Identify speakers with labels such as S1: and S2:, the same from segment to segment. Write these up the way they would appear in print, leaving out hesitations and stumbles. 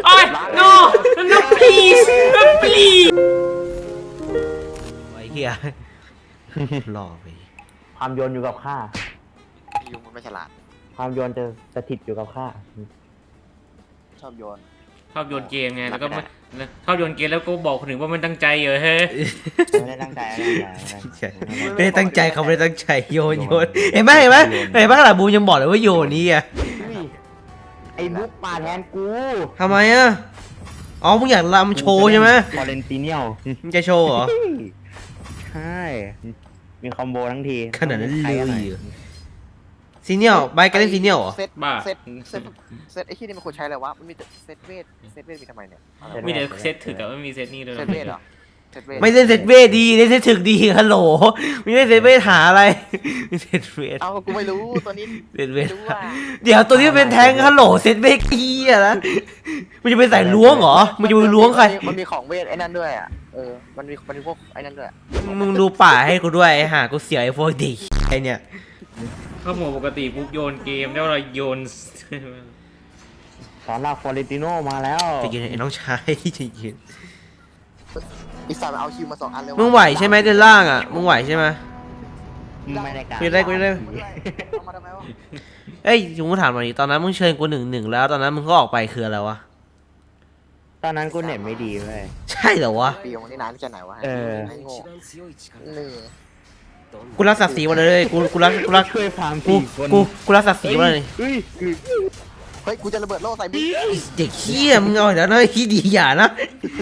S1: อ้ย no no please no please
S2: ไอ้เหี้ยหล่อไป
S3: ความโยนอยู่กับข้า
S4: ยุงมันไม่ฉลาด
S3: ความโยนจะสถิตอยู่กับข้า
S4: ชอบโยน
S1: ชอบโยนเกมไงแล้วก็ชอบโยนเกมแล้วก็บอกคนอื่นว่ามันตั้งใจเหรอเฮ้ย
S3: ไม่ได้ตั้งใจ
S2: ไม่ได้ตั้งใจเขาไม่ได้ตั้งใจโยนเห็นไหมขนาดบูมยังบอกเลยว่าโยนนี่อ่ะ
S3: ไอ้บุ๊กมาแทนกู
S2: ทำไมอ่ะอ๋อมึงอยากรำโชว์ใช่ไหม
S3: ฟอเรนติเนียล
S2: มึงจะโชว์เหรอ
S3: ใช่มีคอมโบทั้งที
S2: ขนาดนั้นเลยซีเนียลใบกันเล่นซีเนียลเหรอ
S4: เซตไอ้ที่นี่มันควรใช้อะไรวะมันมีแต่เซตเวทมีทำไมเนี่ย
S1: มีแต่เซตถึกแต่ไม่มีเซตนี่เลย
S4: เซตเวทเหรอเซตเวท
S2: ไม่เล่นเซตเวทดีเล่นเซตถึกดีฮัลโหลไม่เล่นเซตเวทหาอะไรเซตเวท
S4: เอากูไม่รู้ตัวนี้
S2: เซตเวท
S4: รู้ว่า
S2: เดี๋ยวตัวนี้เป็นแทงฮัลโหลเซตเวทขี้อะนะมันจะไปใส่ล้วงเหรอมันจะไปล้วงใคร
S4: มันมีของเวทไอ้นั่นด้วยอ่ะมันมีพวกไอ้นั่นด้วย
S2: มึงดูป่าให้กูด้วยหากูเสียไอ้พวกเด็กไอเนี่ย
S1: เข้าหมวดปกติปุ๊บโยนเกมแล้วเราโยน
S3: สอนราฟอเรนติโนมาแล้ว
S2: จะยินไอ้น้องชายจะยิน
S4: อีสานเอาคิวมา2 อันเลย
S2: มึงไหวใช่ไหมเดินล่างอ่ะมึงไหวใช่ไหม
S3: ไม่ได้การ
S2: กูจะได้
S4: เอามาทำไมวะ
S2: เอ้ยกูถามหน่อยดิตอนนั้นมึงเชิญกู1-1แล้วตอนนั้นมึงก็ออกไปคืออะไรวะ
S3: ตอนนั้นกูเน็ตไม่ดีเว้ย
S2: ใช่เหรอวะ
S4: ปีของนี่นานแค่ไหนวะไอ้โง่นี่
S2: กูรักศักดิ์ศรีวันเลยกูรัก
S3: ช่วยฟาร์ม
S2: กู
S3: สี่คน
S2: กูรักศักดิ์ศรีวันเลย
S3: เฮ้ย
S4: เฮ้ยกูจะระเบิดโล่ใส่บิ๊ก
S2: เด็กเหี้ยมึงเอาอีกแล้วนะขี้ดีอย่านะ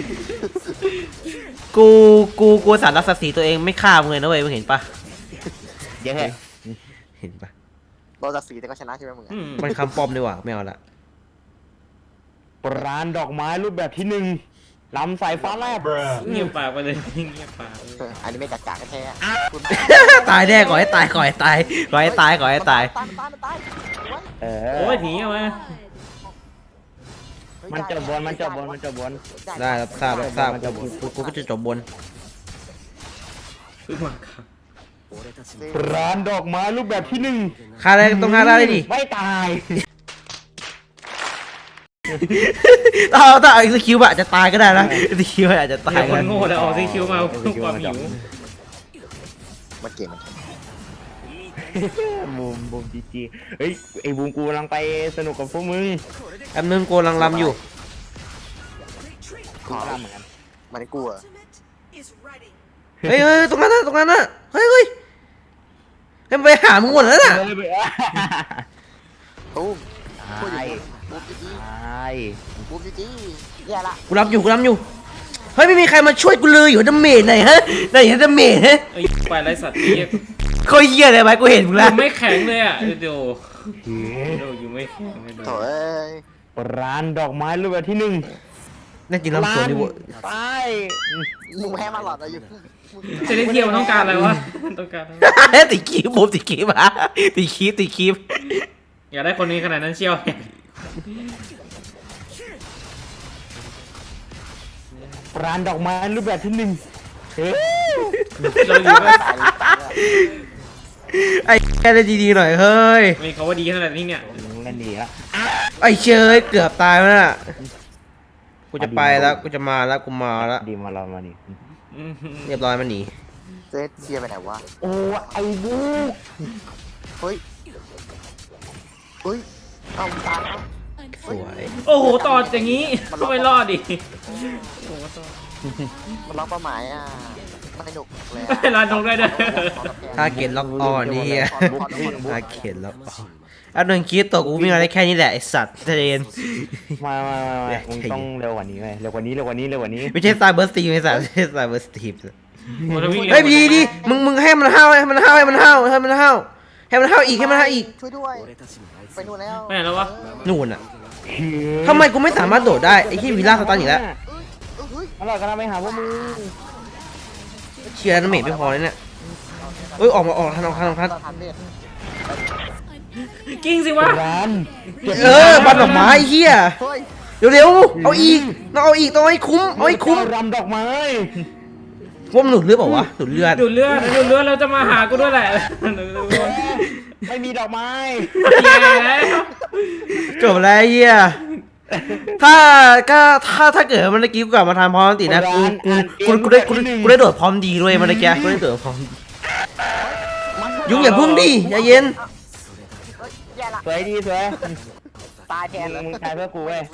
S2: กูสารรักศักดิ์ศรีตัวเองไม่ฆ่ามึงเลยนะเว้ยมึงเห็นปะ
S3: เดี๋ยวแค่
S2: เห็นปะ
S4: โลจากสีแต่ก็ชนะใช่ไหมมึง
S2: มันคำปลอมดีกว่าไม่เอาละ
S3: ร้านดอกไม้รูปแบบที่1ลำสายฟ้าแลบ
S1: เงียบปากไปเลยเงียบปากไปเลย
S4: อันนี้ไม่กัดกากแท้คุณ
S2: ตายแน่ก่อนให้ตายก่อนให้ตายก่อนให้ตายก่อนให้ตาย
S4: ตาย
S1: โอ้ยหนีเอามา
S3: มันจบบน
S2: ได้รับทราบกูก็จะจบบน
S1: เพิ่งมาครับ
S3: ร้านดอกไม้รูปแบบที่1
S2: ฆ่าได้ต้องฆ่าได้ดิ
S3: ไม่ตาย
S2: ถ้าไอ้สกิลอาจจะตายก็ได้นะสกิลอาจจะตาย
S1: เดี๋ยวค
S2: กัน
S1: นโง่แล้วออกซีคิวมาเพื่อความหิว
S4: มันเก่ง
S3: บูมจีจีเฮ้ยไอ้บูมกูกำลังไปสนุกกับพวกมึง
S2: แป๊บนึงโกลังลำอยู่
S3: ขอลำเหมือนกัน
S4: มันกลัว
S2: เฮ้ยตรงนั้นน่ะเฮ้ยมันไปหามึงหมดแล้วน่ะ
S4: ตุ้ม
S3: ตาย
S4: บูมจีแย่ละ
S2: กูรับอยู่เฮ้ยไม่มีใครมาช่วยกูเลยอยู่ดาเมจไหนฮะไหนดาเมจฮะ
S1: ไอ้ไปไรสัตว์นี่
S2: โคตรเหี้ยเลยไหมกูเห็นมึง
S1: อ
S2: แล้ว
S1: ยู่ไม่แข็งเลยอ่ะเดี๋ยวอยู่ไม่แข็งเลย
S4: โถ่เอ้ย
S3: ร้านดอกไม้รูปแบบที่1
S2: นั่นจริงลำสวนดิวะ
S3: ตาย
S4: มึงแพ้มาหลอดอะไรอยู่
S1: เซเลเทียมันต้องการอะไรวะต้องการ
S2: ติดคีบผมติดคีบฮะติดคีบ
S1: อยากได้คนนี้ขนาดนั้นเชียว
S3: ร้านดอกไม้รูปแบบที่1เฮ้ย
S1: เราอยู่ไม่
S2: ไอ้แค่ได้ดีๆหน่อยเฮ้ย
S1: มีเขาว่าดีขนาดนี้เนี่ย
S3: เล่นดีละ
S2: ไอ้เชยเกือบตายแล้วน่ะกูจะไปแล้วกูจะมาแล้วกูมาแล้ว
S3: ดีมาเรามาดิ
S2: เรียบร้อยมันหนี
S4: เซตเชียร์ไปไหนวะ
S3: โอ้ไอ้บูก
S4: เฮ้ยเอาตายแล้ว
S2: สวย
S1: โอ้โหต่ออย่างนี้ไม่รอดดิโอ้โหต่อ
S4: มันล็อกเป้าหมายอ่ะไม่หนุกเลย
S1: เวลานกได้ด้วย
S2: ถ้าเกตล็อกออนนี่เฮียถ้าเกตล็อกออนอันนึงคิดตัวกูมีอะไรแค่นี้แหละไอสัตว์เทรน
S3: มามึงต้องเร็วกว่านี้เร็วกว่านี้
S2: ไม่ใช่สไตล์เบิร์สตีมไอสัตว์ไม่ใช่สไตล์เบิร์สตีม
S1: เฮ้
S2: เฮ้ยดีมึงให้มันห้าวให้มันห้าวอีก
S4: ช่วยด้วยไปนู่นแล้ว
S1: ไม่ไหนแล้ววะ
S2: นู่นอ่ะทำไมกูไม่สามารถโดดได้ไอ้ที่วิลล่าสตันอีกแล้ว
S3: อร่อยกันนะไปหาพวกมึง
S2: เชียร์น้ำเมทไม่พอเลยเนี่ยเอ้ยออกทัน
S4: ทันเด็ด
S1: กิ้งสิวะ
S3: ร้าน
S2: บันดอกไม้เฮีย
S4: เฮ้ย
S2: เร็วๆเอาอีกต้องให้คุ้ม
S3: รำดอกไม้
S2: ว่ามันหลุดเลือดเปล่าวะหลุดเลือด
S1: ดูดเลือดเราจะมาหากูด้วยแหละ
S3: ไม่มีดอกไม้
S1: แย่แล้ว
S2: จบแล้วเฮียถ้าก็ถ้าเกิดเมื่อกี้กูกลับมาทำพร้อมอันตินะกูได้โดดพร้อมดีด้วยเมื่อกี้กูได้โดดพร้อมดียุงอย่าพึ่งดิใจเย็น
S4: แย่ละ
S3: สวยดีสวย
S4: ตายแทนเลย
S3: มึงตายเพื่อกูเว้ย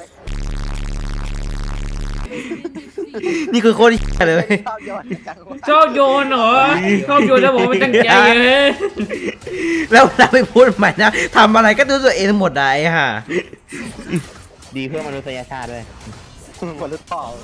S2: นี่คือโคตรเหี้ยเลยเว้ย
S4: ชอบโยนจังวะ
S1: ชอบโยนเหรอชอบโยนแล้วบอกไม่ตั้งใจเลย
S2: แล้วเราไปพูดใหม่นะทำอะไรก็ดูตัวเองหมดได้ฮะ
S3: ดีเพื่อมนุษยชาติด้วย
S4: หมดหรือเปล่า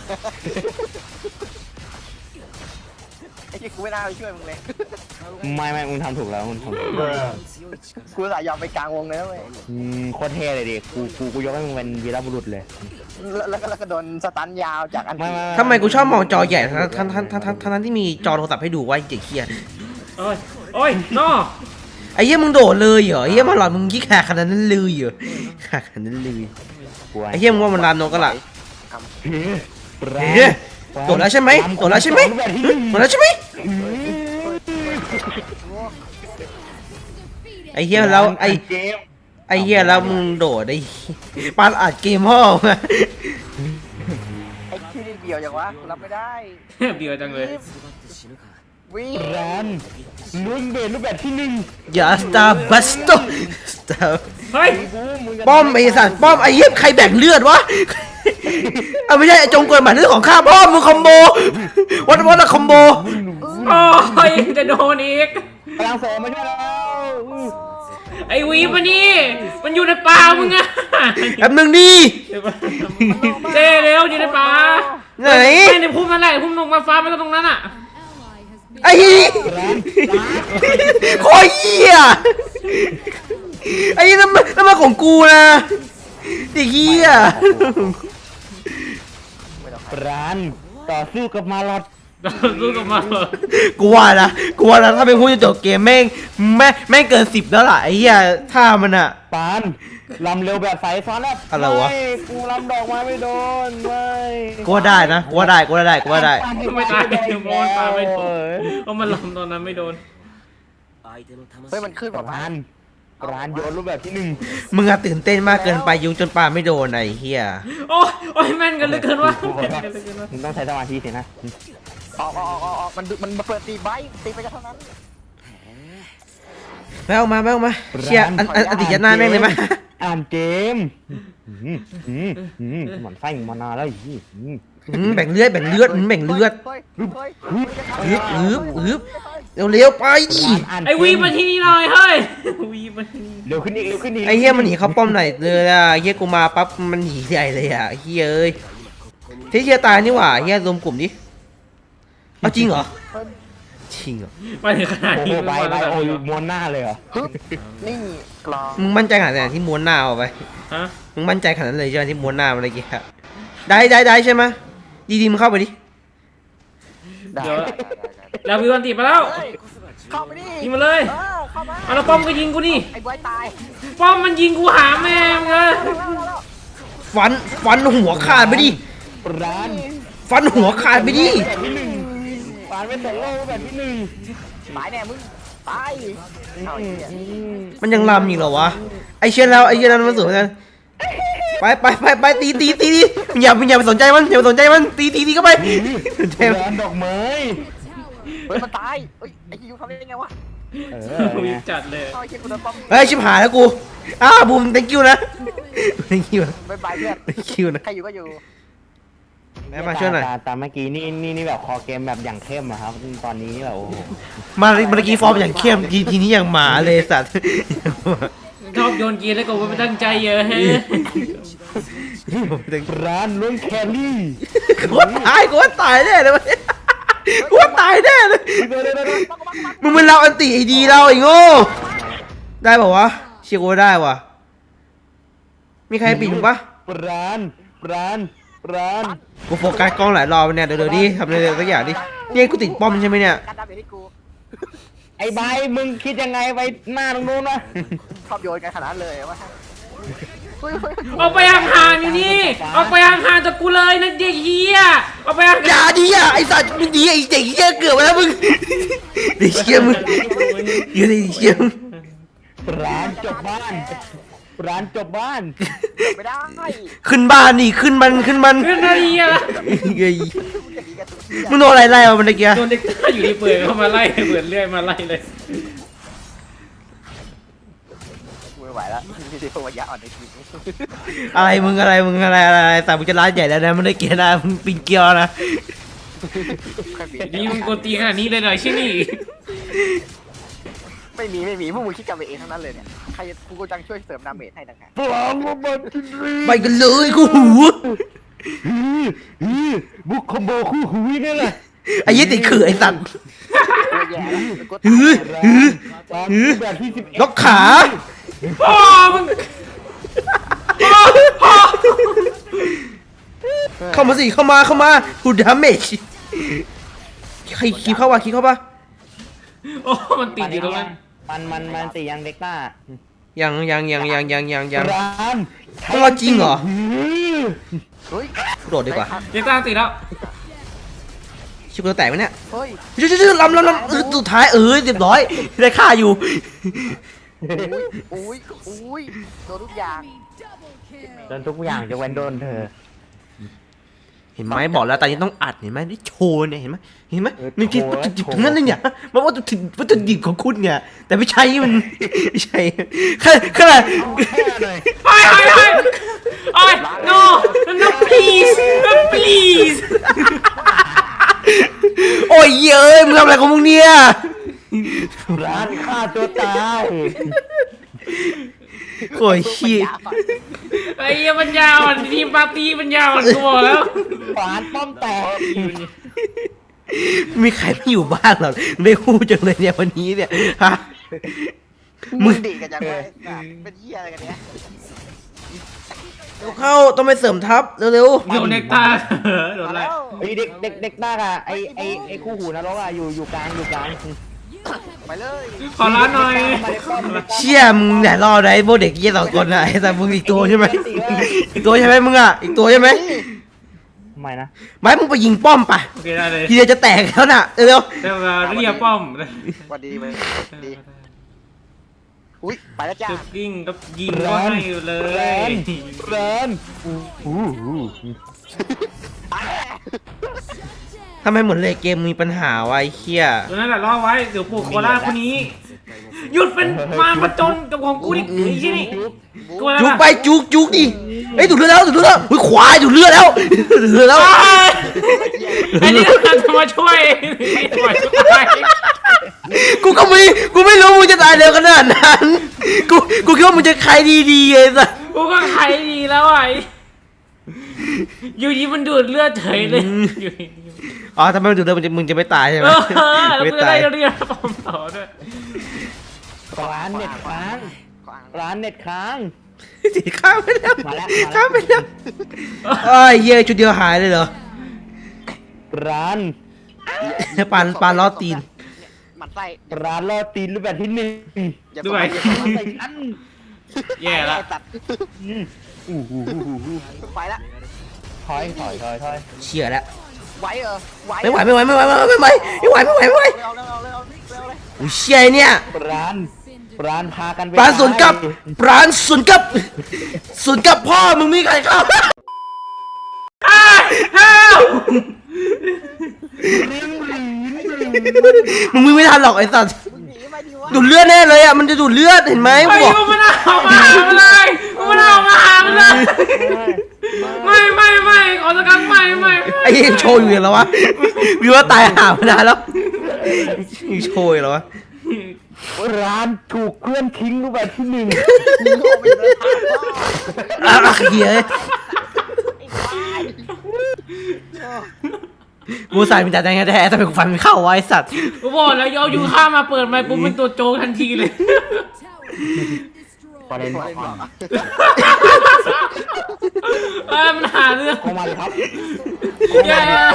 S4: ไอ้ที่กูไม่น่าไปช่วยมึงเลย
S3: ไม่มึงทำถูกแล้วมึงทำถูก
S4: กูสายยอมไปกลางวงเลยนะเว้ย
S3: โคตรเท่เลยดิกูยกให้มึงเป็นวีรบุรุษเลย
S4: แล้วก็โดนสตันยาวจากอัน
S3: ไม่
S2: ทำไมกูชอบมองจอใหญ่ทั้งที่มีจอโทรศัพท์ให้ดูว่าเจ๋งเคีย
S1: โอ้ยโอ้ยนอ
S2: ไอ้เหี้ยมึงโดดเลยเหรอไอ้เหี้ยมาหลอดมึงยี่ขาขนาดนั้นเลยเหรอขาขนาดนั้นเลยไอ้เหี้ยมึงว่ามันลามนกกันล่ะโดดแล้วใช่ไหมโดดแล้วใช่ไหมโดดแล้วใช่ไหมไอ้เหี้ยแล้วไอ้เหี้ยแล้วมึงโดดไอ้ปานอัดเกมพ่อมา
S4: ไอ้ที่นี่เบียวอย่างวะกูรับไม่ได้
S1: เบียวจังเลย
S4: วิ่ง
S3: ร้านลุ้นเบสรูปแบบที่หนึ่ง
S2: อย่าสตาร์บัสโตสตาร์
S1: เฮ้ย
S2: ป้อมไอ้สัตว์ป้อมไอ้เหี้ยใครแบ่งเลือดวะเอาไม่ใช่ไอ้จงกวนหมายเลือดของข้าป้อมมึงคอมโบวัดคอมโบ
S1: โอ้ยจะโดนอีก
S3: พลังโสมมาช่วยแล้ว
S1: ไอ้วีปะนี่มันอยู่ในป่ามึงอะ
S2: แป๊บนึงดิ
S1: เจ๊เร็วอยู่ในป่า
S2: ไหน
S1: ไม่ในพุ่มนั่นแหละพุ่มลงมาฟ้าไม่ก็ตรงนั้นอะ
S2: ไอ้เหี้ยโคตรเหี้ยไอ้นี่น้ำมาของกูนะไอ้เหี้ย
S3: ร้านต่อสู้กับมาลอด
S1: สู้กับมาเหรอ
S2: กูว่านะถ้าเป็นผู้จะจบเกมแม่งเกิน10แล้วล่ะไอ้เหี้ยท่ามันอะ
S3: ปานลำเร็วแบบสายซ้อนแล้ว
S2: อะไรวะ
S3: ไม่กูลำดอกไม้ไม่โดนไม่
S2: กูว่าได้นะกูว่าได้
S1: ไม่ตายโดนปลาไม่โดนเพราะมันลำตอนนั้นไม่โดน
S4: เฮ้ยมันขึ้นแบบ
S3: ร้านโยนรูปแบบที่หนึ่ง
S2: มึงอะตื่นเต้นมากเกินไปยุงจนปลาไม่โดนไอ้เหี้ย
S1: โอ้ยโอ้ยแม่นกันเหลือเกินวะแม่นกันเหลือเกินวะ
S3: มึงต้องใช้สมาธิสินะ
S4: ออกมันเปิดตีใบตีไปก็เท่านั้น
S2: แม่ออกมาเชียอันติยัดหน้าแม่งเลยไหม
S3: อ่านเกมหมันไส้มานานแล้วอี
S2: แบ่งเลือดแบ่งเลือด
S4: เฮ้ย
S2: ฮึบเร็วไปดิ
S1: ไอ้วีมาที่นี่หน่อยเฮ้ยวีมาที่นี่
S3: เร็วขึ้นอีก
S2: ไอ้เหี้ยมันหนีเข้าป้อมไหนเลยอ่ะเหี้ยกูมาปั๊บมันหนีใหญ่เลยอ่ะเหี้ยเอ้ยที่เชียตายนี่หว่าเหี้ยรวมกลุ่มดิเอาจริงเหรอจริงเหรอ
S1: มาถึงขนาด
S3: โอ้
S1: นี้
S3: โหไปโอ้ยม้วนหน้าเลยเหรอ
S4: นี่กลอง
S2: มึงมั่นใจขนาดไหนที่ม้วนหน้าเอาไป
S1: ฮะ
S2: มึงมั่นใจขนาดนั้นเลยใช่ไหมที่ม้วนหน้ามันอะไรเงี้ยได้ใช่ไหมดีมึงเข้าไปดิ
S4: ได้
S1: เดี๋ยวแล้ววิวันติมาแล้ว
S4: เข้าไปดิ
S1: ยิงมาเลย
S4: เข้ามา
S1: เอาแล้วป้อมก็ยิงกูนี่
S4: ไอ้บอยตาย
S1: ป้อมมันยิงกูหาแม่มึงเลย
S2: ฟันหัวขาดไปดิ
S3: ร้าน
S2: ฟันหัวขาดไปดิ
S3: แบบที่หนึ่งปานเป็นสองโลกแบบที่หนึ่ง
S4: ตายแน่มึงตายเอาไอ้เหี้ย
S2: มันยังลำอีกเหรอวะไอเชียแล้วไอเชียนั้นมันสวยกันไปตีอย่าไปสนใจมันตีเข้าไปสนใจมัน
S3: ร้านดอกไม้
S4: เฮ้ยมันตายเฮ้ยไอ้ยูทำได้ยังไงวะ
S1: วีจัดเลย
S4: เอาไอ้เหี้ยกูโดนป้อม
S2: เฮ้ยชิบหายแล้วกูบูม thank you นะ thank you
S4: บายบายเพื่อน
S2: thank you นะ
S4: ใครอยู่ก็อยู่
S2: แม่มาช่วยหน่อย
S3: ตามเมื่อกี้นี่แบบคอเกมแบบอย่างเข้มอะครับตอนนี้แบบโอ้โห
S2: เมื่อกี้ฟอร์มอย่างเข้มทีนี้อย่างหมาเลยสัตว์
S1: ชอบโยนกีแล้วก็ไม่ตั้งใจเยอะเฮ้ย
S3: ร้านล้วนแครี่
S2: กูว่าตายแน่เลยกูว่าตายแน่เลยมึงเป็นเราอันติไอดีเราไอ้โง่ได้ป่าววะเชียร์กูว่าได้ว่ะมีใครปิดมึงปะ
S3: ร้าน
S2: กูโฟกัสกล้องหลายรอบเนี่ยเดี๋ยวดิทำอะไรสักอย่างดิเนี่ยกูติดป้อมใช่ไหมเนี่ย
S4: การดำอยู่ที่กู
S3: ไอ้ใบมึงคิดยังไงไปหน้าตรงนู้นวะ
S4: ชอบโยนกันขนาดเลยวะ
S1: ออกไปห่างๆอยู่นี่ออกไปห่างๆจากกูเลยนะเด็กเฮียออกไปห่าง
S2: อย่าดิอ่ะไอสัตว์มึงดีไอเด็กเหี้ยเกือบไปแล้วมึงเด็กเหี้ยมึงเด็กเหี้ยมึง
S3: ร้านจบบ้านร้านจบบ้าน
S4: ไม่ได้
S2: ขึ้นบ้านนี่ขึ้นมัน
S1: ขึ้นนาทีอะ
S2: เฮ้ย
S4: มึงจะดีกันทุกที่
S2: มึงโดนอะไรไล่มาเมื่อกี้
S1: โดนเด็กต้าอยู่ดีเปิดเข้ามาไล่เปิดเรื่อยมาไล่เลย
S4: กูไม่ไหวแล้วมีแต่พวกยาอ่อนในทีม
S2: อะไรมึงแต่มึงจะร้านใหญ่แล้วนะมันได้เกียร์นะมึงปิงเกียวนะ
S1: นี่มึงกดตีขนาดนี้เลยเหรอใช่นี่
S4: ไม่มีพวกมึงคิดกันไปเองทั้งนั้นเลยเนี่ยใครกูก็จังช่วยเสริมดาเมจให้ต่างหาก
S3: พลังระเบิดจินรี
S2: ไปกันเลยกูหู
S3: บุกคอมโบคู่หูนี่แหละ
S2: ไอ้ยี่ติดขื่อไอ้สัตว์
S4: ตัวแย่แล้วกู
S2: หือหือ
S3: ร้านแบบที่11
S2: ล็อกขา
S1: พ่อมึง
S2: เข้ามาสิเข้ามาหูดาเมจใครคีบเข้ามาคีบเข้ามา
S1: โอ้มันติดอยู่ตรงนั้น
S3: มันตียังเด็กต้า
S2: ยัง
S3: ร้าน
S2: ต้องเอาจริงเหรอ
S4: เฮ้ย
S2: กูโดดดีกว่า
S1: เด็กต้าติดแล้ว
S2: ชิบตัวแตกไหมเนี่ย
S4: เฮ้ย
S2: ชื่อลำสุดท้ายเรียบร้อยได้ค่าอยู่
S4: อุ้ยโดนทุกอย่าง
S3: โดนทุกอย่างจะเว้นโดนเธอ
S2: เห็นไหมบอกแล้วตอนนี้ต้องอัดเห็นไหมได้โชว์เนี่ยเห็นไหมนี่คิด
S3: โชว์
S2: วัตถุดิบทั้งนั้นเลยเนี่ยมันวัตถุดิบของคุณเนี่ยแต่ไม่ใช่มันไม่ใช่ขนาด
S1: ไอ้ no please
S2: โอ้ยเย้ยมึงทำอะไรของมึงเนี่ย
S3: ร้านฆ่าตัวตาย
S2: โอ้ยขี้
S1: ไอ้เหี้ยปัญญาอ่อนทีมปาร์ตี้ปัญญาอ่อนกูบอกแล้ว
S3: ฝานป้อมแตก
S2: มีใครไม่อยู่บ้านหรอไม่พูดจังเลยเนี่ยวันนี้เนี่ยฮะ
S4: มึงดีกันจังเลยเป็นเหี้ยอะไรกันเนี่ย
S2: เข้าต้องไปเสริมทัพเร็ว
S1: โดนเด็กตาโดนอะไร
S3: ไอเด็กต้าอะไอคู่หูนรกอะอยู่กลาง
S4: ไปเลย
S1: ขอร้านหน่อย
S2: ๆเชี่ยมึงอย่ารอได้พวกเด็กยี่สองคนอะไอ้แต่มึงอีกตัวใช่ไหมอีกตัวใช่ไหมมึงอะอีกตัวใช่ไหม
S3: ไม่นะ
S2: ไม่มึงไปยิงป้อมไป
S1: โอเคได้เลย
S2: ทีเดียวจะแตกแล้วน่ะเร็ว
S1: เดี๋ยวมาเรียกป้อม
S4: วันดีเลยดีอุ้ยไปแล้วจ้า
S1: จุดยิงก็ยิงก็ให้เลย
S3: ร้าน
S2: ทำไมเหมือนเลยเกมมีปัญหาวะไอ้เหี้ย
S1: ตัวนั้นแหละรอไว้เดี๋ยวปลูกโคราคนนี้ หยุดเป็นมารประจนกับของกูดิไอ้ที่นี่กูอะไร
S2: จุก
S1: นะ
S2: ไปจุกดิเอ้ยดูดเลือดแล้วอุ้ยขวาดูดเลือดแล้วดูดเลือดแล้ว
S1: ไอ้นี่ต้องจะมาช่วยมาช่วย
S2: กูไม่รู้มึงจะตายเร็วขนาดนั้นกูคิดว่ามึงจะใครดีๆไอ้สัส
S1: กูก็ใครดีแล้วไอ้อยู่ดีมันดูดเลือดเฉยเลยอยู่ดี
S2: อ๋อทำไมมันดูดเลือดมึงจะไม่ตายใช่ไหม
S1: แล้ว
S2: ไม่
S1: กูจะ
S2: ตาย
S1: ได้เรียกป้อมต่อด้วย
S3: ร้านเน็ตค้างร้านเน็ตค้าง
S2: สีข้ามไปแล้ว
S3: มาแล้ว
S2: ข้ามไปแล้วเอ้ยเหี้ยชุดเดียวหายเลยเหรอ
S3: ร้าน
S2: ปานล้อตีน
S4: มันไส้
S3: ร้านล่อตีนรูปแบบที่1
S4: อย่า
S1: ด้วย
S3: ใส่อัน
S1: แย่ละ
S4: ตัดไปละ
S3: ถอย
S2: เชี่ยแล้ว
S4: ไหวเหรอไหว
S2: ไม่ไหวไม่ไหวอุ้ยเชี่ยเนี่ย
S3: ร้านพากันไป
S2: ปานสวนกลับพ่อมึงมีใครเข้า มึงไม่ทันหรอกไอ้สัส
S4: มึงหนีมาดิวะ
S2: ดูดเลือดแน่เลยอ่ะมันจะดูดเลือดเห็นไหม
S1: ไอ้
S2: บอก
S1: กูมันเอามาหามันเลยกูมันเอามาหามันเลยไม่ขอสักครั้งไม่
S2: ไอ้ยังโชว์อยู่เหรอวะวิวว่าตายหาไม่ได้แล้วยังโชว์อยู่เหรอวะ
S3: ร้านถูกเคลื่อนทิ้งรูปแบบที่1
S4: มึงโง่ไปเลยพ่อ
S2: เฮียกูใส่เป็นจ่าแดงแท้แต่เป็นกูฟันไม่เข้าไว้สัตว์
S1: กูบอกแล้วเอายูข้ามาเปิดไมค์ปุ๊บเป็นตัวโจกทันทีเลย
S3: ประเด็น
S1: มันหาเรื่อง
S3: เข้ามาเลยครับ
S1: แย่แล้ว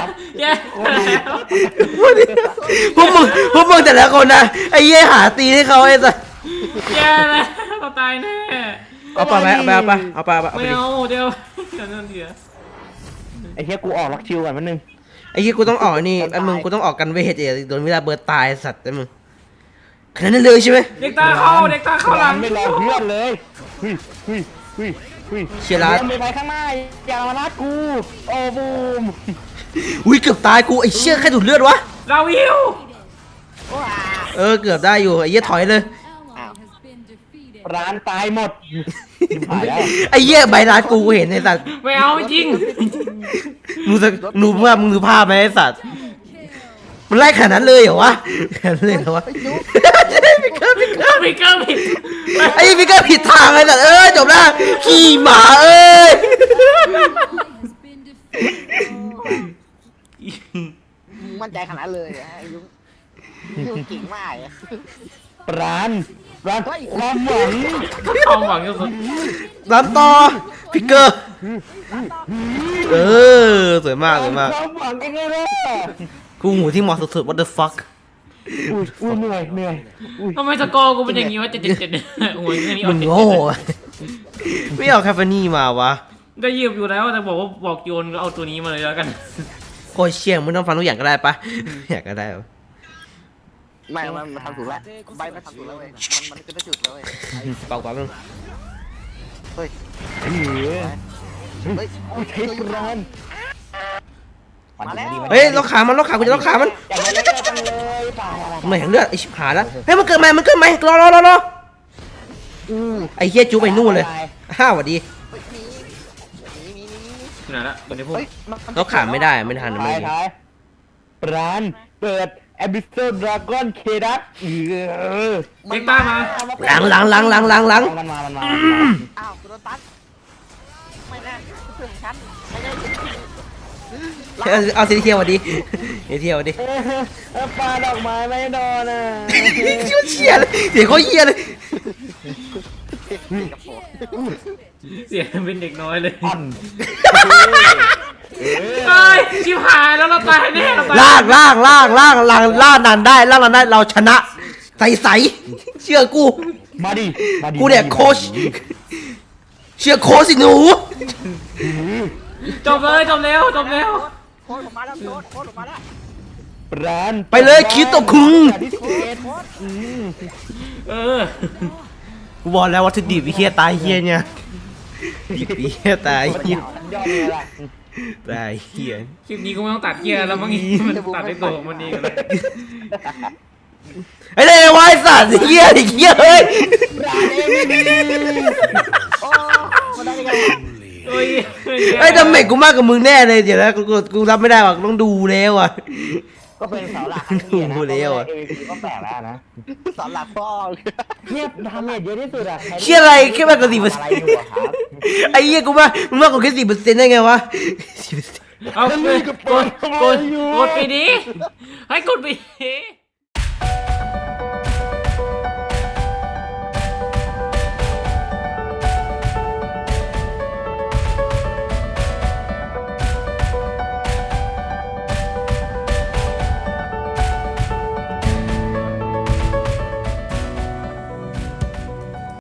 S2: พวกมึงแต่ละคนนะไอ้เหี้ยหาตีให้เขาไอ้สัส
S1: แย่แล้วเราตายแน่
S2: เอาไปเอาไป
S1: ไม่เอาเดี๋ยวนั่นเดี๋ยว
S3: ไอ้เหี้ยกูออกล็อกชิวก่อนมันนึง
S2: ไอ้เหี้ยกูต้องออกนี่ไอ้มึงกูต้องออกกันเวทโดนเวลาเบิร์ดตายสัตว์ไอ้มึงขนาดนั้นเลยใช่ไหม
S1: เด็กตาเข้าหลัง
S3: ไม่รอเพื่อนเลย
S1: เ
S3: เฮ้ยเฮ้ยเฮ้ยเฮ้ย
S2: เชียร์ร้าน
S3: เดินไปข้างหน้าอย่ามานัดกูโอ้บูม
S2: อุ้ยเกือบตายกูไอ้เชี่ยแค่ดูดเลือดวะ
S1: เราวิว
S2: เกือบได้อยู่ไอ้เหี้ยถอยเลย
S3: ร้านตายหมดหายแล้ว
S2: ไอ้เหี้ยใบร้านกูเห็นไอ้สัตว์
S1: ไม่เอาจริง
S2: รู้ว่ามึงดูภาพไหมไอ้สัตว์มันไล่ขนาดนั้นเลยเหรอวะขนาดนั้นเลยเหรอวะพิกเกอร์
S1: ไม่เกินผิด
S2: ไอ้พิกเกอร์ผิดทางไอ้สัตว์จบแล้วขี่หมา
S4: มั่นใจขนาดเลยอะไอ้ยุ้งยุ้งเก่งมากอะ
S3: ร้านความหวัง
S1: ความหวังที่สุด
S2: ร้านต่อพิกเกอร์สวยมากสวยมาก
S3: ความหวังยังไงล่ะ
S2: กูหูที่เหมาะสุดๆ what the fuck
S3: อุ้ยเหนื่อยอุ้ย
S1: ทำไมสกอร์กูเป็นอย่างนี้วะ7-7โอ้ยนี่
S2: มึ
S1: เอา
S2: ง
S1: 7-7
S2: โง่ไม่เอาแคฟเฟนี่มาวะ
S1: ได้ยืมอยู่แล้วแต่บอกโยนเอาตัวนี้มาเลยแล้วกัน
S2: โคตรเชี่ยงมึงต้องฟังทุกอย่างก็ได้ปะอยากก็ได้ปะ
S4: ไม่มันทำถูกแล้วใบมันทำถูกแล้วเว้ยมันจะไม่จุดแล้วเว้ย
S2: เปล่าๆมึง
S4: เฮ้ย
S3: เฮ้ย
S4: เฮ้ย
S3: กูใช้ร้าน
S4: มาแล้ว
S2: เฮ้ยล็อกขามันกูจะล็อกขามัน
S3: อย่ามาเล่นกันเลยป่า
S2: ไม่เห็นเลือดไอ้ชิบหายแล้วเฮ้ยมันเกิดใหม่รอไอ้เฮียจูไปนู่นเลยสวัสดี
S4: เฮ้ยมี
S1: อยู่ไหนละอยู่ในพวก
S4: เฮ้ย
S2: ล็อกขาไม่ได้ไม่ทัน
S3: ท้า
S2: ไม่
S3: ยท้ายร้านเปิด Abyssal Dragon k d a
S1: เด็กต้ามา
S2: หลัง
S3: มันมา
S4: อ้าวกูโดนตัดไม่แน่เพื่อนฉันไม่ได้
S2: เอาสีเทียวสวัสดีสีเทียวสวัสดี
S3: ปลาดอกไม้ไม่โดนอ่ะ
S2: เชี่ยเลยเสียงเขาเฮียเลย
S1: เสียงเป็นเด็กน้อยเลย
S3: อ่อน
S1: เฮ้ยชิบหายแล้วเราตายแน่เราตาย
S2: ล่านานได้เราชนะใสเชื่อกู
S3: มาดิ
S2: กูเนี่ยโค้ชเชื่อโค้ชสิหนู
S1: จบเลยจบแล้ว
S4: โค้ดผมมาแล้วโค้ดผมมาแล้ว
S3: ร้าน
S2: ไปเลยคิดตกคุง
S1: เออ
S2: กูบอกแล้ววัตถุดิบเฮียตายเฮียเนี่ยเฮียตายเฮีย
S3: ยอดเลยล่ะ
S2: ตายเฮีย
S1: คลิปนี้ก็ไม่ต้องตัดเกียร์แล้วมั้งมันตัดได้ตัวของมันเองเลย
S2: ไอ้เลวไอ้สัตว์เฮียเฮียเฮ้ย
S3: ร้านเองไม่ดี
S4: โอ้มาได้ยังไง
S1: เฮ้ย
S2: ไอ้ดาเมจกูมากกว่ามึงแน่เลยเดี๋ยวนะกูรับไม่ได้ว่ะต้องดูแล้วอ่ะ
S3: ก็เป็นเสาหลักทั้งทีนะ
S2: ดูแล้วอะ
S3: MVP ก็แปลกแล้วนะ
S4: สอนหลักพ่อ
S3: เทียบดาเมจเยอะที่สุดอะ
S2: เชี่ยอะไรแค่มากกว่า10%
S3: อะไรอยู่อะครับ
S2: ไอ้เหี้ยมึงมากกว่าแค่10%ได้ไงวะ 10%
S1: เอากดไปดิให้กดไปดิ